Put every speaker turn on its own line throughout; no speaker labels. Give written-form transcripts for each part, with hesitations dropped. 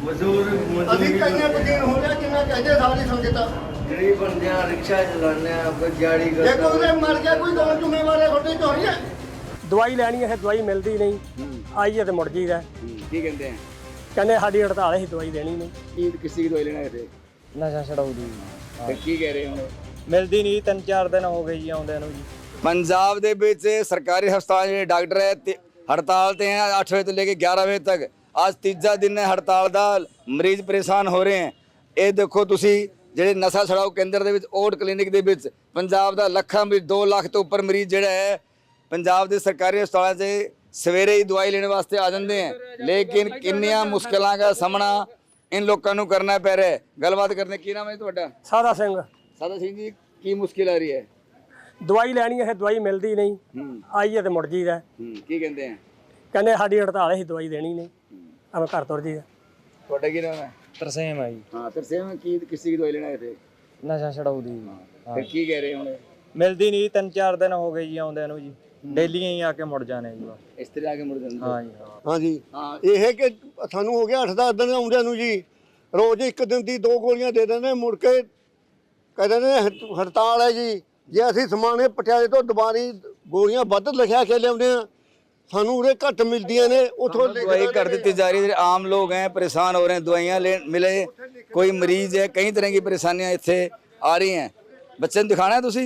ਮਜ਼ਦੂਰ
ਅਸੀਂ ਕਈਆਂ ਬਦੀਨ ਹੋ ਰਿਹਾ ਜਿਵੇਂ ਕਹਿੰਦੇ ਸਾਰੀ ਸੰਗਤ
ਗਰੀਬ ਬੰਦਿਆਂ ਰਿਕਸ਼ਾ ਚਲਾਉਂਦੇ ਆ ਕੋਈ ਦਿਹਾੜੀ
ਜੇ
ਕਰਦਾ
ਕੋਈ ਉਹਦੇ ਮਰ ਗਿਆ ਕੋਈ ਕੌਣ ਜ਼ਿੰਮੇਵਾਰ ਹੈ ਤੁਹਾਡੇ ਤੋਂ ਨਹੀਂ ਹੈ।
ਦਵਾਈ ਲੈਣੀ ਹੈ, ਦਵਾਈ ਮਿਲਦੀ ਨਹੀਂ, ਆਈ ਹੈ ਤੇ ਮੁੜ ਜੀਦਾ।
ਕੀ ਕਹਿੰਦੇ ਆ
ਕਹਿੰਦੇ ਸਾਡੀ ਹੜਤਾਲ ਹੈ, ਦਵਾਈ ਦੇਣੀ ਨਹੀਂ।
ਕੀ ਕਿਸੇ ਦੀ ਦਵਾਈ ਲੈਣਾ ਇੱਥੇ
ਨਸ਼ਾ ਛਡਾਊ ਦੀ
ਫਿਰ ਕੀ ਕਹਿ ਰਹੇ ਹੋ
ਮਿਲਦੀ ਨਹੀਂ, 3-4 ਦਿਨ ਹੋ ਗਏ ਜੀ ਆਉਂਦਿਆਂ ਨੂੰ ਜੀ।
पंजाब ਦੇ ਵਿੱਚ ਸਰਕਾਰੀ ਹਸਪਤਾਲ ਜਿਹੜੇ ਡਾਕਟਰ ਹੈ हड़ताल ਤੇ हैं 8 बजे ਤੋਂ ਲੈ ਕੇ 11 ਵਜੇ ਤੱਕ। ਅੱਜ ਤੀਜਾ ਦਿਨ ਹੈ ਹੜਤਾਲ ਦਾ, ਮਰੀਜ਼ ਪਰੇਸ਼ਾਨ ਹੋ ਰਹੇ ਹੈ। ਇਹ ਦੇਖੋ ਤੁਸੀਂ ਜਿਹੜੇ ਨਸ਼ਾ ਛਡਾਊ ਕੇਂਦਰ ਦੇ ਵਿੱਚ ਓਟ ਕਲੀਨਿਕ ਦੇ ਵਿੱਚ ਪੰਜਾਬ ਦਾ ਲੱਖਾਂ ਮਰੀਜ਼ 2 ਲੱਖ ਤੋਂ ਉੱਪਰ ਮਰੀਜ਼ ਜਿਹੜਾ ਹੈ ਪੰਜਾਬ ਦੇ ਸਰਕਾਰੀ ਹਸਪਤਾਲਾਂ 'ਚ ਸਵੇਰੇ ਹੀ ਦਵਾਈ ਲੈਣ ਵਾਸਤੇ ਆ ਜਾਂਦੇ ਹੈ। ਲੇਕਿਨ ਕਿੰਨੀਆਂ ਮੁਸ਼ਕਲਾਂ ਦਾ ਸਾਹਮਣਾ इन ਲੋਕਾਂ ਨੂੰ ਕਰਨਾ ਪੈ ਰਿਹਾ ਹੈ। ਗੱਲਬਾਤ ਕਰਨੇ ਕੀ ਨਾਮ ਹੈ ਤੁਹਾਡਾ?
ਸਾਦਾ ਸਿੰਘ।
ਸਾਦਾ ਸਿੰਘ ਜੀ ਕੀ ਮੁਸ਼ਕਿਲ ਆ ਰਹੀ ਹੈ?
ਦਵਾਈ ਲੈਣੀ ਹੈ, ਦਵਾਈ ਮਿਲਦੀ ਨਹੀਂ, ਆਈ ਹੈ ਤੇ ਮੁੜ ਜੀਦਾ।
ਕੀ ਕਹਿੰਦੇ ਆ?
ਕਹਿੰਦੇ ਸਾਡੀ ਹੜਤਾਲ ਹੈ, ਦਵਾਈ ਦੇਣੀ ਨਹੀਂ, ਆਵੇਂ ਘਰ ਤੁਰ ਜੀਦਾ।
ਤੁਹਾਡਾ ਕੀ ਨਾਮ ਹੈ?
ਤਰਸੇਮ ਆ ਜੀ।
ਹਾਂ ਤਰਸੇਮ ਕੀ ਕਿਸੇ ਦੀ ਦਵਾਈ ਲੈਣਾ ਹੈ ਇੱਥੇ?
ਨਸ਼ਾ ਛਡਾਊ ਦੀ
ਫਿਰ ਕੀ ਕਹਿ ਰਹੇ ਹੁਣ?
ਮਿਲਦੀ ਨਹੀਂ, 3-4 ਦਿਨ ਹੋ ਗਏ ਜੀ ਆਉਂਦਿਆਂ ਨੂੰ ਜੀ। ਡੇਲੀ ਹੀ ਆ ਕੇ ਮੁੜ ਜਾਣੇ ਜੀ।
ਇਸ ਤਰ੍ਹਾਂ ਆ ਕੇ ਮੁੜ ਜਾਂਦੇ?
ਹਾਂ ਜੀ
ਹਾਂਜੀ ਇਹ ਹੈ ਕਿ ਸਾਨੂੰ ਹੋ ਗਿਆ 8-10 ਦਿਨ ਆਉਂਦਿਆਂ ਨੂੰ ਜੀ। ਰੋਜ਼ ਇੱਕ ਦਿਨ ਦੀ 2 ਗੋਲੀਆਂ ਦੇ ਦਿੰਦੇ, ਮੁੜ ਕੇ ਕਹਿੰਦੇ ਨੇ ਹੜਤਾਲ ਹੈ ਜੀ। ਜੇ ਅਸੀਂ ਸਮਾਣੇ ਪਟਿਆਲੇ ਤੋਂ ਦੁਬਾਰੀ ਗੋਲੀਆਂ ਵੱਧ ਲਿਖਿਆ ਕੇ ਲਿਆਉਂਦੇ ਆ, ਸਾਨੂੰ ਉਰੇ ਘੱਟ ਮਿਲਦੀਆਂ ਨੇ। ਉਥੋਂ
दवाई कर दी जा रही है। आम लोग हैं परेशान हो रहे हैं, दवाइयाँ ले मिले, कोई मरीज है, कई तरह की परेशानियाँ इतने आ रही हैं। बच्चे ने दिखाना है तुसी?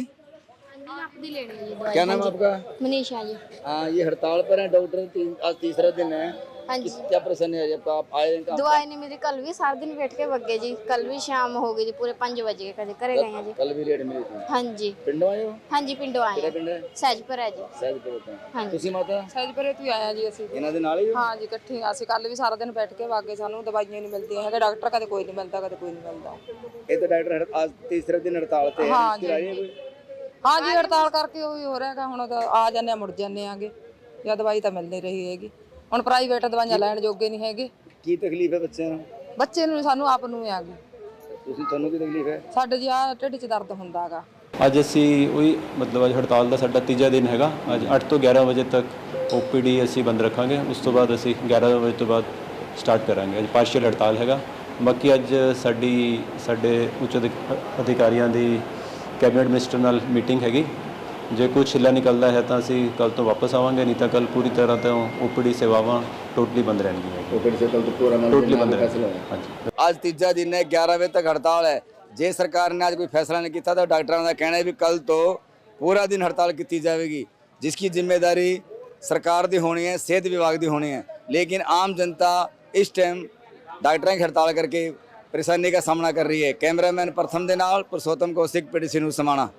आपकी लेनी है दवाई।
क्या नाम है आपका?
मनीषा जी।
हाँ ये हड़ताल पर है डॉक्टर, आज तीसरा दिन है।
हाँ जी।
क्या परेशानी है जब आप आए हैं?
दवाई नहीं मिली, कल भी सारा दिन बैठ के बग गए जी। कल भी शाम हो गई जी, पूरे 5 बजे कदे करे गए हैं जी।
कल भी लेट मिली थी।
हाँ जी।
पिंडों आए हो?
हाँ जी पिंडों आए
ਕਿਹੜਾ
हैं।
ਪਿੰਡ ਹੈ?
सहजपुर है जी।
ਸਹਿਜਪੁਰ ਤੋਂ।
हाँ जी।
ਤੁਸੀਂ ਮਾਤਾ
ਸਹਿਜਪੁਰੇ ਤੋਂ ਹੀ ਆਇਆ ਜੀ ਅਸੀਂ।
ਇਹਨਾਂ ਦੇ ਨਾਲ ਹੀ ਹੋ?
ਹਾਂ ਜੀ ਇਕੱਠੇ ਅਸੀਂ ਕੱਲ ਵੀ ਸਾਰਾ ਦਿਨ ਬੈਠ ਕੇ ਵਾਗੇ, ਸਾਨੂੰ ਦਵਾਈਆਂ ਨਹੀਂ ਮਿਲਦੀਆਂ ਹੈਗੇ। ਡਾਕਟਰ ਕਦੇ ਕੋਈ ਨਹੀਂ ਮਿਲਦਾ, ਕਦੇ ਕੋਈ ਨਹੀਂ ਮਿਲਦਾ।
ਇਹ ਤਾਂ ਡਾਕਟਰ आज तीसरे दिन हड़ताल ਤੇ ਹੈ।
ਹਾਂ ਜੀ।
ਮੁਸ਼ਕਿਲ ਆ ਰਹੀ ਹੈ ਕੋਈ?
ਹਾਂ ਜੀ ਹੜਤਾਲ ਕਰਕੇ ਉਹੀ ਹੋ ਰਿਹਾ ਹੈਗਾ। ਹੁਣ ਤਾਂ ਆ ਜਾਂਦੇ ਆ ਮੁੜ ਜਾਂਦੇ ਆਗੇ, ਜਾਂ ਦਵਾਈ ਤਾਂ ਮਿਲ ਨਹੀਂ ਰਹੀ ਹੈਗੀ। ਹੁਣ ਪ੍ਰਾਈਵੇਟ ਦਵਾਈਆਂ ਲੈਣ ਜੋਗੇ ਨਹੀਂ ਹੈਗੇ।
ਕੀ ਤਕਲੀਫ ਹੈ ਬੱਚਿਆਂ ਨੂੰ?
ਬੱਚੇ ਨੂੰ ਸਾਨੂੰ ਆਪ ਨੂੰ ਆ ਗਈ।
ਤੁਹਾਨੂੰ ਕੀ ਤਕਲੀਫ ਹੈ?
ਸਾਡੇ ਜੀ ਆ ਢਿੱਡ 'ਚ ਦਰਦ ਹੁੰਦਾ ਹੈਗਾ।
ਅੱਜ ਅਸੀਂ ਉਹੀ ਮਤਲਬ ਅੱਜ ਹੜਤਾਲ ਦਾ ਸਾਡਾ ਤੀਜਾ ਦਿਨ ਹੈਗਾ। ਅੱਜ 8 ਤੋਂ 11 ਵਜੇ ਤੱਕ ਓਪੀਡੀ ਅਸੀਂ ਬੰਦ ਰੱਖਾਂਗੇ। ਉਸ ਤੋਂ ਬਾਅਦ ਅਸੀਂ 11 ਵਜੇ ਤੋਂ ਬਾਅਦ ਸਟਾਰਟ ਕਰਾਂਗੇ। ਅੱਜ ਪਾਰਸ਼ੀਅਲ ਹੜਤਾਲ ਹੈਗਾ। ਬਾਕੀ ਅੱਜ ਸਾਡੇ ਉੱਚ ਅਧਿਕਾਰੀਆਂ ਦੀ ਕੈਬਨਿਟ ਮਿਨਿਸਟਰ ਨਾਲ ਮੀਟਿੰਗ ਹੈਗੀ। ਜੇ ਕੁਝ ਹਿੱਲਾ ਨਿਕਲਦਾ ਹੈ ਤਾਂ ਅਸੀਂ ਕੱਲ ਤੋਂ ਵਾਪਸ ਆਵਾਂਗੇ, ਨਹੀਂ ਤਾਂ ਕੱਲ ਪੂਰੀ ਤਰ੍ਹਾਂ ਤੋਂ ਓਪੀਡੀ ਸੇਵਾਵਾਂ ਟੋਟਲੀ ਬੰਦ ਰਹਿਣਗੀਆਂ।
ਓਪੀਡੀ ਸੇ ਕੱਲ ਤੋਂ ਪੂਰਾ
ਟੋਟਲੀ ਬੰਦ
ਫੈਸਲਾ
ਰਹਿਣਗੀਆਂ। ਹਾਂਜੀ।
ਅੱਜ ਤੀਜਾ ਦਿਨ ਹੈ, 11 ਵਜੇ ਤੱਕ ਹੜਤਾਲ ਹੈ। ਜੇ ਸਰਕਾਰ ਨੇ ਅੱਜ ਕੋਈ फैसला नहीं किया तो डॉक्टरों का कहना है भी कल तो पूरा दिन हड़ताल की जाएगी, जिसकी जिम्मेदारी सरकार की होनी है, सेहत विभाग की होनी है। लेकिन आम जनता इस टाइम डॉक्टरों की हड़ताल करके परेशानी का सामना कर रही है। कैमरामैन प्रथम के नाल पुरुषोत्तम कौशिक PTC न्यूज़ समाना।